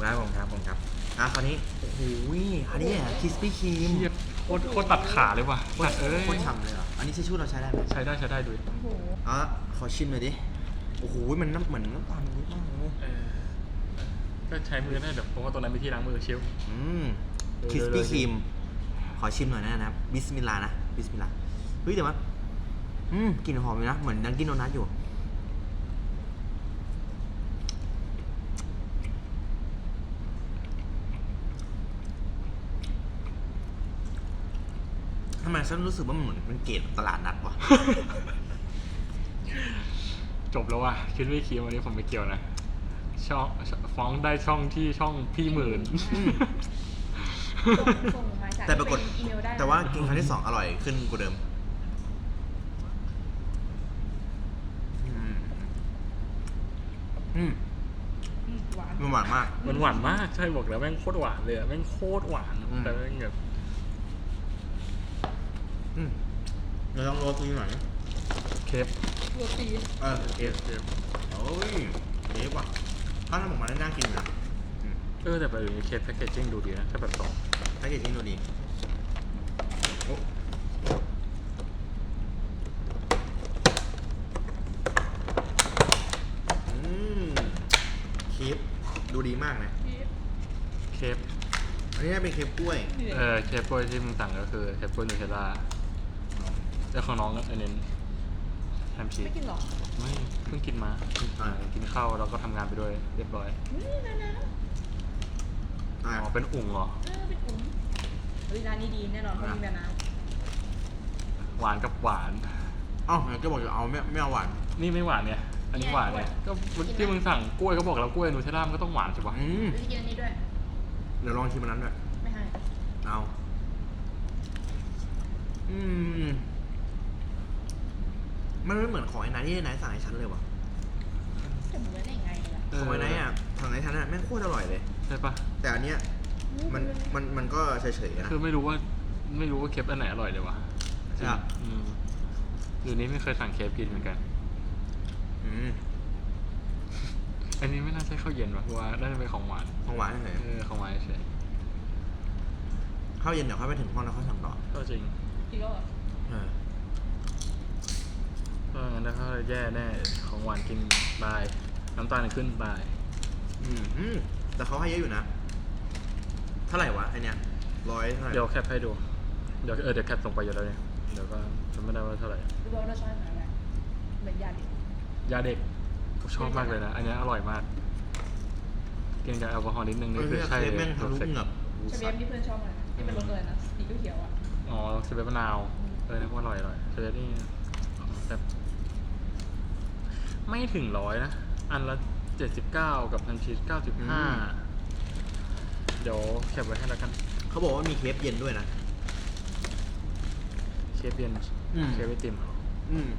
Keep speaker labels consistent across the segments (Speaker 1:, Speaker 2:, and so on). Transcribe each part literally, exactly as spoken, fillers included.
Speaker 1: ครับผมครับผมครับอ่ะคราวนี้โอ้โหอันนี้อ่ะคิสปี้ครีม
Speaker 2: โคตรโคตรตัดขาเลยว่ะ
Speaker 1: โค
Speaker 2: ตั
Speaker 1: ต
Speaker 2: ด
Speaker 1: ร
Speaker 2: เอ้ย
Speaker 1: โคตรฉ่ำเลยเหรออันนี้ใช้ชูเราใช้ได้ไหม
Speaker 2: ใช้ได้ใช้ได้ดู
Speaker 3: โอ้โห
Speaker 1: อ่ะขอชิมหน่อยดิโอ้โหมันน้ำเหมือนน้ำตาลนิดมากเลย
Speaker 2: เออก็ใช้มือได้เดี๋ยวเพราะว่าตรงนั้นมีที่ล้างมือชิว
Speaker 1: อืม
Speaker 2: เออ
Speaker 1: คิสปี้
Speaker 2: เลย
Speaker 1: ครีมขอชิมหน่อยนะนะครับบิสมิลลาห์นะบิสมิลลาห์เฮ้ยแต่ว่าอืมกลิ่นหอมเลยนะเหมือนดังกินโดนัทอยู่ทำไมฉันรู้สึกว่ามันเหมือนเป็นเกรดตลาดนัดวะ
Speaker 2: จบแล้วว่ะคิดไม่คิดวันนี้ผมไม่เกี่ยวนะช่องฟ้องได้ช่องที่ช่องพี่หมื่น
Speaker 3: ส่งส่งมาจาก
Speaker 1: แต่ปรากฏ
Speaker 3: เป็นอีเมลได้
Speaker 1: แต่ว่ากินครั้งที่สองอร่อยขึ้นกว่าเดิมอืมอืม
Speaker 3: อืมหวาน
Speaker 1: มันหวานมาก
Speaker 2: มันหวานมากใช่บอกแล้วแม่งโคตรหวานเลยอะแม่งโคตรหวาน
Speaker 1: อืม
Speaker 2: แต่แม่งแบบ
Speaker 1: อืมเราลองโรตีหน่อย
Speaker 2: เคฟ
Speaker 3: โรตี
Speaker 1: เออ
Speaker 2: เคฟเคฟ
Speaker 1: โอ้ยเยอะว่ะถ้าทำออกมาได้น่ากินอยู่นะอืม
Speaker 2: เออแต่แบบนี้เคฟแพคเกจจิ้งดูดีนะถ้าแบบสอง
Speaker 1: แพ็กเกจจิ้งดูดีโอ้อืมเคฟดูดีมากนะ
Speaker 2: เคฟ
Speaker 1: อันนี้เป็นเคฟกล้วย
Speaker 2: เออเคฟกล้วยที่มึงสั่งก็คือเคฟกล้วยนูเทลล่าแต่ของน้องอันนี้แฮมชีส
Speaker 3: ไม่กินหรอ
Speaker 2: ไม่เพิ่งกินมา
Speaker 1: อ่า
Speaker 2: กินข้าวแล้วก็ทำงานไปด้วยเรียบร้อย
Speaker 3: อืมนะนะ
Speaker 1: อ่า
Speaker 2: อ๋อเป็นอุ่งเหรอ
Speaker 3: เออเป็นอุ้มเฮ้ยร้านนี้ดีแน่นอนเพราะมีแบบน้
Speaker 2: หวานกับหวาน
Speaker 1: เอ้าก็บอกจะเอาไม่ไม่เอาหวาน
Speaker 2: นี่ไม่หวานเนี่ยอันนี้หวานเนี่ยก็ที่มึงสั่งกล้วยก็บอกแล้วกล้วยนูเทลล่ามันก็ต้องหวานใช่ปะ
Speaker 1: อืม
Speaker 3: ำจะกินอันนี้ด้วย
Speaker 1: เดี๋ยวลองชิมอันนั้นด้วย
Speaker 3: ไม่ให้
Speaker 1: เอาอืมมันไม่เหมือนของไอ้นายที่ไอ้นายสั่งให้ฉันเลยว่ะ
Speaker 3: จะเหมือนได้ยังไงล่ะ
Speaker 1: ของไอ้นายอ่ะสั่งให้ฉันอ่ะแม่งโคตรอร่อยเลย
Speaker 2: ใช่ปะ
Speaker 1: แต่อันเนี้ยมันมันมันก็เฉยๆนะ
Speaker 2: คือไม่รู้ว่าไม่รู้ว่าเคฟอันไหนอร่อยเลยวะ
Speaker 1: ใช่ปะ
Speaker 2: อืมเดี๋ยวนี้ไม่เคยสั่งเคฟกินเหมือนกัน
Speaker 1: อืม
Speaker 2: อันนี้ไม่น่าใช่ข้าวเย็นวะเพราะว่าน่าจะเป็นของหวาน
Speaker 1: ของหวานเฉย
Speaker 2: เออของหวานเฉย
Speaker 1: ข้าวเย็นเดี๋ยวค่อยไปถึงห้องแล้วค่อยสั่งต่อ
Speaker 2: ก็จริง
Speaker 3: อีกแล้วเหรอ
Speaker 1: เออ
Speaker 2: ก็งั้นถ้าแย่แน่ของหวานกินบายน้ำตาลขึ้นบาย
Speaker 1: อืมอืมแต่เขาให้เยอะอยู่นะ เท่าไหร่วะไอเนี้ยร้อยเท่าไหร่
Speaker 2: เดี๋ยวแคปให้ดูเดี๋ยวเออเดี๋ยวแคปส่งไปอยู่แล้วเนี่ยเดี๋ยวก็จำไม่ได้ว่าเท่าไหร่
Speaker 3: รู้ว่ารสชาติเหมือนอะไรเหมือนยาดิบ
Speaker 2: ยาเด็กผมชอบมากเลยนะ อันนี้อร่อยมาก กินกับแอลกอฮอล์นิดนึง
Speaker 1: เอ
Speaker 2: นี่
Speaker 1: อ
Speaker 2: คือ
Speaker 1: เนี่ย
Speaker 2: ใช่
Speaker 1: เคฟแม่งทะลุ
Speaker 2: perfect
Speaker 1: เหงือก
Speaker 3: ชาเบียมที่เพื่อนชอบอะไรนะที่เป็นรสเลยนะสีเขียวๆอ่ะ
Speaker 2: อ๋อสเปรย์มะนาวเออนี่ก็อร่อยอร่อยสเปรย์นี่แบบไม่ถึงร้อยนะ อันละเจ็ดสิบเก้ากับพันชีสเก้าสิบห้าเดี๋ยวแคปไว้ให้แล้วกัน
Speaker 1: เขาบอกว่ามีเคฟเย็นด้วยนะ
Speaker 2: เคฟเย็น
Speaker 1: อืม
Speaker 2: เคฟไอติม
Speaker 1: อืม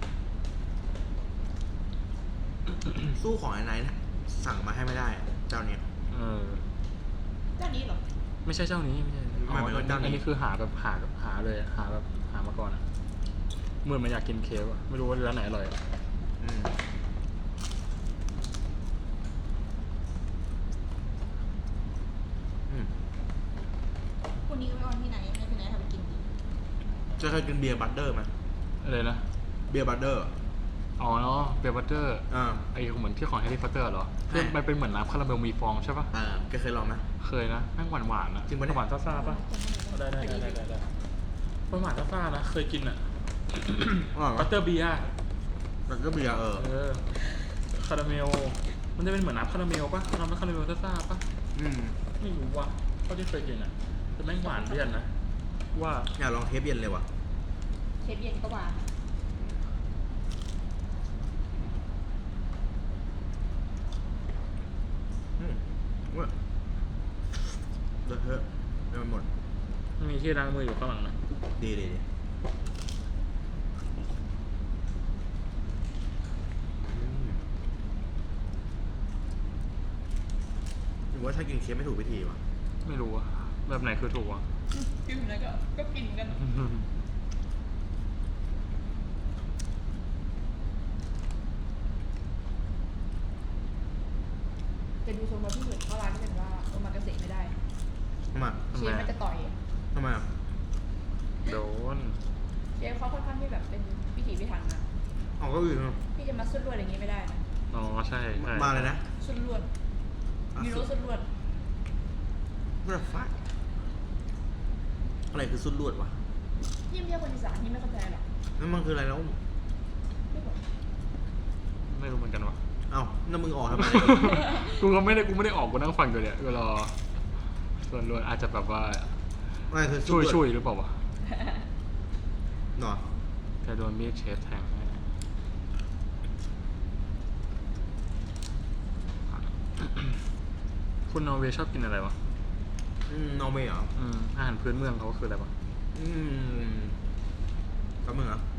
Speaker 1: สู้ของไอ้ไนท์นะสั่งมาให้ไม่ได้ เจ้าเนี้ย
Speaker 2: เออ
Speaker 3: เจ้านี้เหรอ
Speaker 2: ไม่ใช่เจ้านี้ไม่ใช่อ๋อ
Speaker 1: หมายถึงเจ้านี้
Speaker 2: อันนี้คือหาแบบหาแบบหาเลยอะหาแบบหามาก่อนอะเหมื่อนมันอยากกินเคฟอะไม่รู้ว่าร้านไหนอร่อยอะ
Speaker 1: อืมอืม
Speaker 3: คุณนี้ไปออนที่ไหนให้พี่นายทำไปกินดี
Speaker 1: จะเคยกินเบียร์บัตเตอร์ไหม
Speaker 2: อะไรนะ
Speaker 1: เบียร์บัตเตอร์
Speaker 2: อ๋อเนาะเบลบัตเตอร์
Speaker 1: อ่า
Speaker 2: ไอเหมือนที่ของแฮร์รี่พอตเตอร์เหรอ
Speaker 1: ใช่
Speaker 2: ที่มันเป็นเหมือนน้ำคาราเมลมีฟองใช่ปะ
Speaker 1: อ่าแกเคยลองไหม
Speaker 2: เคยนะแม่งหวานหวานๆอะ
Speaker 1: จริงปะเนี่ย
Speaker 2: หวานซ่าๆปะได้ได้ได้ได้ได้หวานซ่าๆนะเคยกินอะ
Speaker 1: อร่อย
Speaker 2: บั
Speaker 1: ปะ
Speaker 2: ตเตอร์เบียร์
Speaker 1: บัตเตอร์เบียร์เออ
Speaker 2: เออคาราเมลมันจะเป็นเหมือนน้ำคาราเมลปะน้ำคาราเมลซ่าๆปะ
Speaker 1: อืม
Speaker 2: ไม่รู้ว่ะเท่าที่เคยกินอะแต่แม่งหวานเลี่ยนนะว่า
Speaker 1: อยากลองเทปเย็นเลยว่ะ
Speaker 3: เชฟเย็นก็หวาน
Speaker 1: อืมว่าเดี๋ยวเถอะเดี๋ยวมันหมด
Speaker 2: มีที่ล้างมืออยู่ข้างหลังนะ
Speaker 1: ดีดีดีอืมหรือว่าถ้ากินเค้กไม่ถูกวิธีวะ
Speaker 2: ไม่รู้อะแบบไหนคือถูกวะ
Speaker 3: กินแล้วก็ก็กินกันเจจะดูทรงเราที่สุดเพราะร้านที่เป็นว่าโอมากาเสะไม่ได้
Speaker 1: ทำไม
Speaker 3: เชฟมันจะต่อย
Speaker 1: ทำไมอ่ะ
Speaker 2: โดน
Speaker 3: เชฟเขาค่อนข้างที่แบบเป็นพิถีพิถันนะ
Speaker 1: เอาก็อื่นอ่ะ
Speaker 3: พี่จะมาสุดลวดอย่างนี้ไม่ได้นะ
Speaker 2: อ๋อใช่ใช่
Speaker 1: มาเลยนะ
Speaker 3: สุดลวดมีโรสุดลวด
Speaker 1: เพื่อฟักอะไรคือสุดลวดวะ
Speaker 3: ยิ่งเรียกคนอีสานที่ไม่เข้าใจหรอก
Speaker 1: นั่นมันคืออะไรแล้ว
Speaker 3: ไม่บอก
Speaker 2: ไม่รู้เหมือนกันวะ
Speaker 1: เอ้านั่นมึงออกทำไม
Speaker 2: กูก็ไม่ได้กูไม่ได้ออกกูนั่งฟังอยู่เนี่ยก็รอส่วนรวนอาจจะแบบว่า
Speaker 1: อะไรคือสุ
Speaker 2: ช่
Speaker 1: ด
Speaker 2: วย
Speaker 1: ลวด
Speaker 2: ช่วยหรือเปล่าวะ
Speaker 1: หนอ
Speaker 2: แต่โดนมีดเชฟแทงแน่คุณนอร์เวย์ชอบกินอะไรวะ
Speaker 1: อืมนอร์เวย์เหรอ
Speaker 2: อืมอาหารพื้นเมืองเขาคืออะไรวะ
Speaker 1: อืมกับมึงเหรอ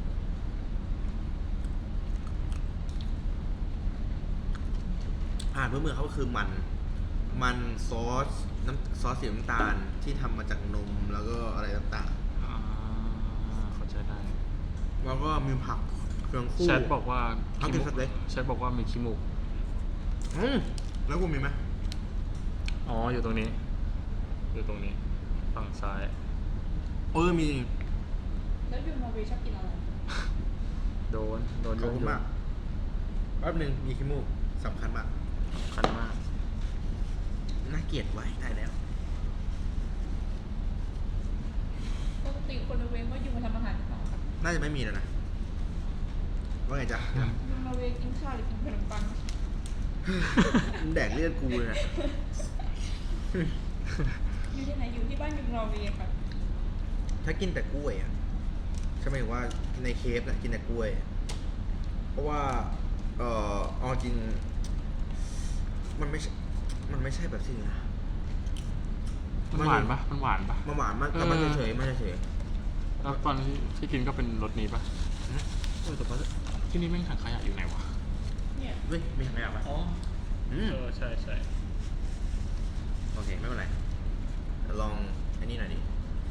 Speaker 1: อาหารพื้นเมืองเขาก็คือมัน มันซอสน้ำซอสสีน้ำตาลที่ทำมาจากนมแล้วก็อะไรต่าง
Speaker 2: อ่าเข้าใจได้
Speaker 1: ๆ แล้วก็มีผักเครื่องคู่
Speaker 2: แชทบอกว่า
Speaker 1: เอากินสเต็ก
Speaker 2: แชทบอกว่ามีขี้มูก
Speaker 1: อืมแล้วกูมีไหม
Speaker 2: อ๋ออยู่ตรงนี้ อยู่ตรงนี้ ฝั่งซ้าย
Speaker 1: เออมี
Speaker 3: แล้วยูนอร์เวย์ชอบกินอะไร
Speaker 2: โดน โดน
Speaker 1: ขอบคุณมากแป๊บหนึ่งมีขี้มูกสำคัญมาก
Speaker 2: คันมาก
Speaker 1: น่าเกลียดไว้ได้แล้ว
Speaker 3: ปกติคนนอร์เวย์ก็ยูมาทำอาหารหรือเปล่าครับ
Speaker 1: น่าจะไม่มีแล้วนะว่าไงจ๊ะ
Speaker 3: ยูนอร์เวย์กินข้าวหรือกินขนมปัง
Speaker 1: มึงแดกเลือดกูเลยนะ
Speaker 3: อยู่ที่ไหนอยู่ที่บ้านยูนอร์เวย์ครับ
Speaker 1: ถ้ากินแต่กล้วยอ่ะใช่ไหมายถึงว่าในเคฟนะกินแต่กล้วย เพราะว่า เอ่อเอาจริง มันไม่ใช่ มันไม่ใช่แบบสิ่งนะ
Speaker 2: มันหวานปะมันหวานปะ
Speaker 1: มันหวานมันแต่มันเฉยๆมันเฉย
Speaker 2: แล้วตอนที่ที่กินก็เป็นรสนี้ปะ
Speaker 1: ๆอืมเออแต่ว่า
Speaker 2: ที่นี่แม่งถังขยะอยู่ไหนวะ
Speaker 3: เนี่ย
Speaker 1: เฮ้ยมีอะไรอ่ะวะ
Speaker 2: อ๋อ
Speaker 1: อืม
Speaker 2: เออใช่ใช่
Speaker 1: โอเค ไม่เป็นไรเดี๋ยวลองอันนี้หน่อยดิ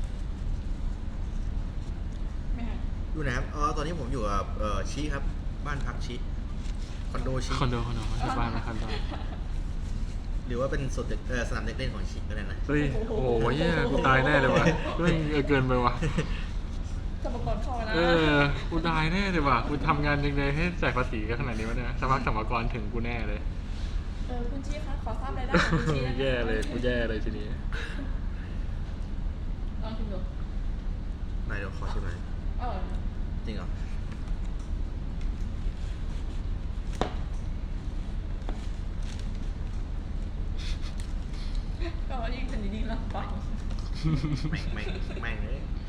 Speaker 3: ไม่หัน
Speaker 1: อยู่ไหนครับอ๋อตอนนี้ผมอยู่กับเอ่อชีครับ บ้านพักชีคอนโดชี
Speaker 2: คอนโดคอนโดที่บ้านนะคอนโด
Speaker 1: หรือว่าเป็นสวนเด็กเออสนามเด็กเล่นของชีก็ได้นะ
Speaker 2: เฮ้ยโอ้โหเหี้ยกูตายแน่เลยวะเฮ้ยเออเกินไปวะ
Speaker 3: สมกรเข้านะ
Speaker 2: เออกูตายแน่เลยว่ะกูทำงานยังไงให้จ่ายภาษีกันขนาดนี้วะเนี่ยสักพักสมรกรถึงกูแน่เลย
Speaker 3: เออคุณชี้คะขอทราบรายได้ของคุณชี้ได้ไหม
Speaker 2: แย่เลยกูแย่เลยทีนี้
Speaker 3: ลองชิมดู
Speaker 1: นายเดี๋ยวขอชิมหน่อย
Speaker 3: อร่อยนะ
Speaker 1: จริงเหรอ
Speaker 3: ก็ยิ่งเป็นยิ่งลำบาก
Speaker 1: แม่งแม่งแม่งเลย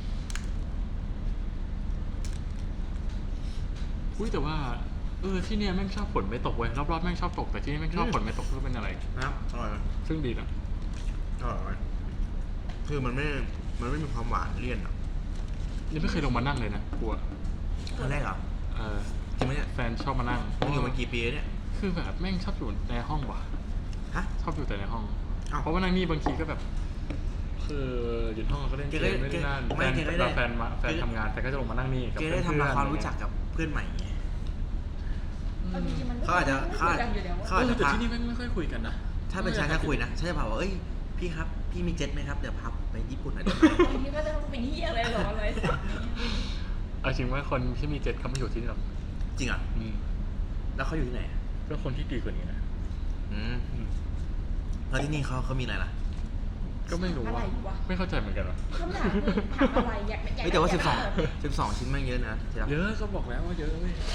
Speaker 2: อุ้ยแต่ว่าเออที่เนี่ยแม่งชอบฝนไม่ตกเว้ยรอบๆแม่งชอบตกแต่ที่นี่แม่งชอบฝนไม่ตกคือเป็นอะไร
Speaker 1: นะครับอร่อยไหม
Speaker 2: ซึ่งดีนะ
Speaker 1: อร่อยไหมคือมันไม่ มันไม่มีความหวานเลี่ยนอ่ะ
Speaker 2: นี่ไม่เคยลงมานั่งเลยนะกูอะ
Speaker 1: ครั้งแรกเหรอ
Speaker 2: เออ
Speaker 1: จริงไหมเนี่ย
Speaker 2: แฟนชอบมานั่ง
Speaker 1: มึงอยู่มากี่ปีแล้วเนี่ย
Speaker 2: คือแบบแม่งชอบอยู่ในห้องว่ะ
Speaker 1: ฮะ
Speaker 2: ชอบอยู่แต่ในห้อง
Speaker 1: อ้าว
Speaker 2: เพราะว่านั่งนี่บางทีก็แบบ คืออยู่ห้องก็เล่นเก
Speaker 1: แกได้
Speaker 2: มไม่ได้นั่น
Speaker 1: ไม่
Speaker 2: แฟน
Speaker 1: แกได้
Speaker 2: เวลาแฟนมาแฟนทำงานแฟนก็จะลงมานั่งนี่กับ
Speaker 1: เก
Speaker 2: เพื่อน
Speaker 1: ได้ทำ
Speaker 2: ๆ
Speaker 1: ความรู้จักกับเพื่อนใหม่ไง
Speaker 3: เอาจริงๆมัน
Speaker 1: เขาอาจจะ
Speaker 3: ไม่
Speaker 1: เขา
Speaker 3: คุ
Speaker 1: อาจ
Speaker 3: ยกันอยู่แล้ว
Speaker 1: เขา
Speaker 2: เอ
Speaker 1: อาจ
Speaker 2: อ
Speaker 1: จะ
Speaker 2: แต่
Speaker 1: พา
Speaker 2: ที่นี่แม่งไม่ค่อยคุยกันนะ
Speaker 1: ถ้าเป็นฉันถ้าคุยนะฉันจะบอกว่า เอ้ย พี่ครับ พี่มีเจ็ตไหมครับ เดี๋ยวพับไปญี่ปุ่นหน่อยได้ไหม
Speaker 3: บางทีก็จะเป็นเหี้ยอะไรหรออะไรสักนี้
Speaker 2: เอาจริงว่าคนที่มีเจ็ตเขาไม่อยู่ที่นี่หรอก
Speaker 1: จริงเหรอ่ะ
Speaker 2: อืม
Speaker 1: แล้วเขาอยู่ที่ไหนอะ
Speaker 2: ก็คนที่ดีกว่านี้นะ
Speaker 1: อืม
Speaker 2: อืม
Speaker 1: แล้วที่นี่เขาเขามีอะไรล่ะ
Speaker 2: ก็ไม่รู้
Speaker 3: อะไร
Speaker 2: ว่า
Speaker 3: วะ
Speaker 2: ไม่เข้าใจเหมือนกันวะ
Speaker 3: คำถามคือถามอะไรอยากอยาก
Speaker 1: เฮ้ยแต่ว่า
Speaker 3: ยก
Speaker 1: สิบสอง
Speaker 3: ยาก
Speaker 1: สิบสองชิ้นแม่งเยอะนะที่รัก
Speaker 2: เยอะก็บอกแล้วว่าเยอะเว้ย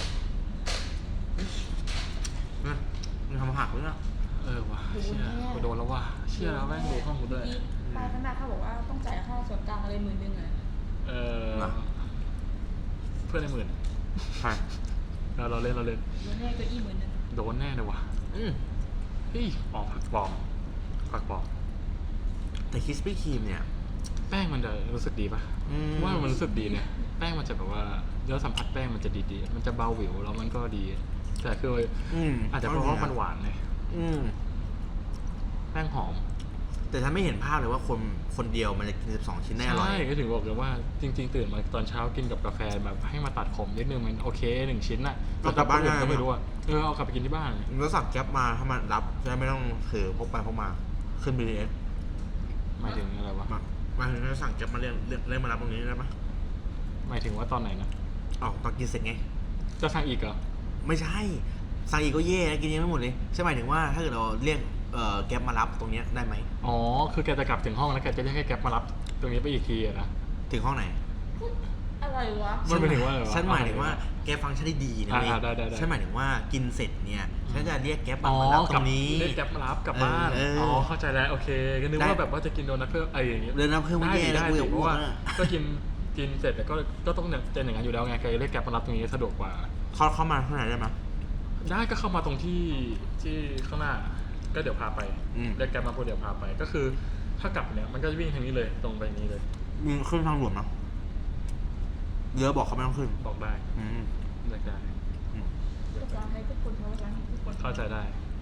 Speaker 1: นะมึงทำหักหรือเปล่า
Speaker 2: เออว่ะเชี่ยกูโดนแล้วว่ะเชี่ยแล้วแม่งดูห้องกูด้วย
Speaker 3: ที่ป้ายข้างหน้าเขาบอกว่าต้องจ่ายค่าส่วนกลางอะไรหมื่นหนึ่งอะ
Speaker 2: เออเพื่อนในหมื่น
Speaker 1: ใช่
Speaker 2: เราเราเล่นเราเล่น
Speaker 3: โดนแน่เก็อี้หมื่นหนึ่ง
Speaker 2: โดนแน่เลยว่ะ
Speaker 1: อืม
Speaker 2: เฮ้ยออกผักปลอมผักปลอม
Speaker 1: แต่คิสปี้ครีมเนี่ย
Speaker 2: แป้งมันจะรู้สึกดีป่ะ
Speaker 1: อืม
Speaker 2: ว่ามันรู้สึกดีเนี่ยแป้งมันจะแบบว่าเนื้อสัมผัสแป้งมันจะดีๆมันจะเบาหวิวแล้วมันก็ดี แต่คือ
Speaker 1: อืม
Speaker 2: อาจจะเพราะว่ามันหวานเลย
Speaker 1: อืม
Speaker 2: แป้งหอม
Speaker 1: แต่ฉันไม่เห็นภาพเลยว่าคนคนเดียวมันจะกินสิบสองชิ้นได้อร่อย
Speaker 2: ใช่ก็ถึงบอกเลยว่าจริง ๆ ตื่นมาตอนเช้ากินกับกาแฟแบบให้มาตัดขมนิดนึงมันโอเคหนึ่งชิ้นน่ะ
Speaker 1: เอากลับบ้านได้
Speaker 2: ก็ไม่รู้อะเออเอากลับไปกินที่บ้าน
Speaker 1: แล้วสั่งแก๊ปมาถ้ามันรับจะได้ไม่ต้องถือพกไปพกมาขึ้น บี ที เอส
Speaker 2: หมายถึงอะไรวะ
Speaker 1: มามาถึงจะสั่งแก๊ปมาเรียกเรียกเรียกมารับตรงนี้ได้ปะ
Speaker 2: หมายถึงว่าตอนไหนนะ
Speaker 1: อ๋อตอนกินเสร็จไง
Speaker 2: จะสั่งอีกเหรอ
Speaker 1: ไม่ใช่ สั่งอีกก็เย่นะกินยังไม่หมดเลยใช่หมายถึงว่าถ้าเกิดเราเรียกเอ่อแก๊ปมารับตรงเนี้ยได้ไหม
Speaker 2: อ๋อคือแกจะกลับถึงห้องแล้วแกจะให้แกร็บมารับตรงนี้ไปอีกทีอะนะ
Speaker 1: ถึงห้องไหน
Speaker 3: อะไรวะ
Speaker 2: มันหมายถึงว่าอะไรวะ
Speaker 1: ฉันหมายถึงว่าแกฟังฉันได้ดีนะเว้ย
Speaker 2: อ่าได้ได้ได้
Speaker 1: ฉันหมายถึงว่ากินเสร็จเนี่ยฉันจะเรียกแก๊ป
Speaker 2: อ๋อ
Speaker 1: มารับต
Speaker 2: กลั
Speaker 1: รงนี้
Speaker 2: เรียกแกร็บมารับกลับบ้าน
Speaker 1: เออเอออ๋
Speaker 2: อ๋อเข้าใจแล้วโอเคก็นึก
Speaker 1: ได้
Speaker 2: ว่าแบบว่าจะกินโดนัทเพิ่มอะไรอย่างเงี้ย
Speaker 1: เดินน้ำเพิ่มไม่
Speaker 2: ได้
Speaker 1: แย่
Speaker 2: ดิ
Speaker 1: นะ
Speaker 2: ได้
Speaker 1: กูอ
Speaker 2: ดิ
Speaker 1: ยาก
Speaker 2: เพ
Speaker 1: อ้
Speaker 2: ราะ
Speaker 1: วก
Speaker 2: ว่า
Speaker 1: นะ
Speaker 2: ก็กินกินเสร็จแล้วก็ก็ต้องเนี่ยเป็นอย่างนั้นอยู่แล้วไงแกเรียกแกร็บมารับตรงนี้สะดวกกว่า
Speaker 1: เข้าเข้ามาข้างในได้ไหม
Speaker 2: ได้ก็เข้ามาตรงที่ที่ข้างหน้าก็เดี๋ยวพาไป
Speaker 1: อืม
Speaker 2: เรียกแกร็บมาพูดเดี๋ยวพาไป ก็คือถ้ากลับเนี่ยมันก็จะวิ่งทางนี้เลยตรงไปนี้เลย
Speaker 1: มีขึ้นทางด่วนมั้ยเรือบอกเขาไม่ต้องขึ้น
Speaker 2: บอกได้
Speaker 1: อืม
Speaker 2: เรียกได้
Speaker 1: อืม
Speaker 3: ภาษาไทยทุกคนภาษาอังกฤษทุกคน
Speaker 2: เข้าใจได้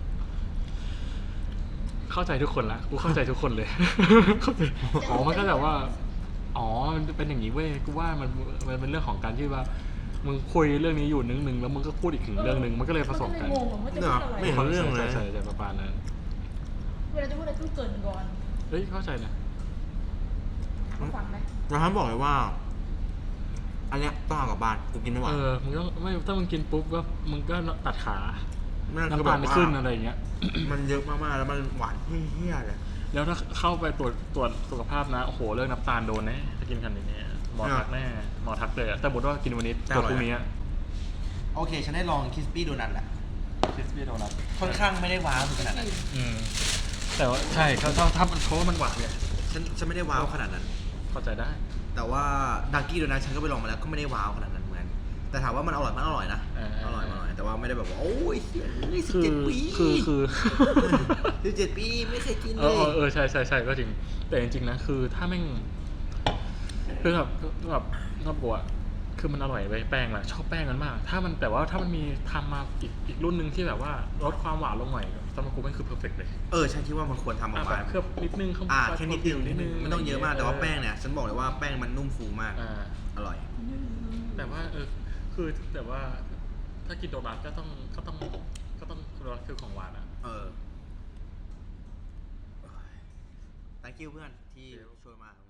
Speaker 2: เข้าใจทุกคนละกูเข้าใจทุกคนเลย เข้าใจอ๋อมันก็แบบว่า อ๋อมันเป็นอย่างนี้เว้ยกูว่ามันมันเป็นเรื่องของการที่ว่ามึงคุยเรื่องนี้อยู่นึงนึงแล้วมึงก็พูดอีกถึงเรื่องนึงมันก็เลยผสมกัน
Speaker 3: งงว่าจะพูดอะไร
Speaker 1: ไม่เห็นเรื่องเลย
Speaker 2: ใช่ใช่ใช่ประมาณนั้น
Speaker 3: เวลาจะพูดอะไรต้องเกรินก่อน
Speaker 2: เฮ้ยเข้าใจนะ
Speaker 3: ฟังไหม
Speaker 1: แล้วท่านบอกเลยว่า อันเนี้ยต้องเอากลับบ้านกูกินไม่ไหว
Speaker 2: เออมึงก็ไม่ถ้ามึงกินปุ๊บก็มึงก็ตัดขา
Speaker 1: นั่นคือ
Speaker 2: น้ำ
Speaker 1: แบ
Speaker 2: ตาล
Speaker 1: บ
Speaker 2: ไม่
Speaker 1: ว่า
Speaker 2: ขึ้นอะไรอย่างเงี้ย
Speaker 1: มันเยอะมากๆแล้วมันหวานเฮี้ยๆเลย
Speaker 2: แล้วถ้าเข้าไปตรวจตรวจสุขภาพนะโอ้โหเรื่องน้ำตาลโดนแน่ถ้ากินขนาดนี้หมอทักแน่หมอทักเลยอะแต่บอกว่ากินวันนี้ตรวจพรุ่งนี้
Speaker 1: โอเค ฉันได้ลองคิสปี้โดนัทแหละ
Speaker 2: คริสปี้โดนัท
Speaker 1: ค่อนข้างไม่ได้ว้าวถึงขนาดนั้น
Speaker 2: อืมแต่ว่าใช่เขาถ้าถ้ามันเพราะว่ามันหวานเนี่ย
Speaker 1: ฉันฉันไม่ได้ว้าวขนาดนั้น
Speaker 2: เข้าใจได้
Speaker 1: แต่ว่าดังกี้โดนัทฉันก็ไปลองมาแล้วก็ไม่ได้ว้าวขนาดนั้นเหมือนกันแต่ถามว่ามันอร่อยมันอร่อยนะ
Speaker 2: เออ
Speaker 1: อร่อยมันอร่อยแต่ว่าไม่ได้แบบว่าโอ้ยสิบ
Speaker 2: คือ
Speaker 1: เจ็ดปี
Speaker 2: คือคือ
Speaker 1: สิบเจ็ดปีไม่เคยกิน
Speaker 2: เอ
Speaker 1: เล
Speaker 2: อย เออเออใช่ใช่ใช่ก็จริง แต่จริงๆนะคือถ้าแม่งคือแบบแบบชอบบัวคือมันอร่อยไปแป้งแหละชอบแป้งมันมาก ถ้ามันแต่ว่าถ้ามันมีทำมาอีกอีกรุ่นหนึ่งที่แบบว่าลดความหวานลงหน่อยสำหรับกูมันคือเพอร์เฟกต์เลย
Speaker 1: เออฉันคิดว่ามันควรทำออ
Speaker 2: อ่ะ
Speaker 1: ก
Speaker 2: แบ
Speaker 1: มา
Speaker 2: บเคลือบนิดนึงข้าง
Speaker 1: อ่าแค่นิดนึง
Speaker 2: นิดนึง
Speaker 1: ไม่ต้องเยอะมากแต่ว่าแป้งเนี่ยฉันบอกเลยว่าแป้งมันนุ่มฟูมาก
Speaker 2: อ่า
Speaker 1: อร่อย
Speaker 2: แต่ว่าเออคือแต่ว่าถ้ากินโดนัทก็ต้องก็ต้องก็ต้องโดนัทคือของหวานอ่ะ
Speaker 1: เออ thank you เพื่อนที่ช่วยมา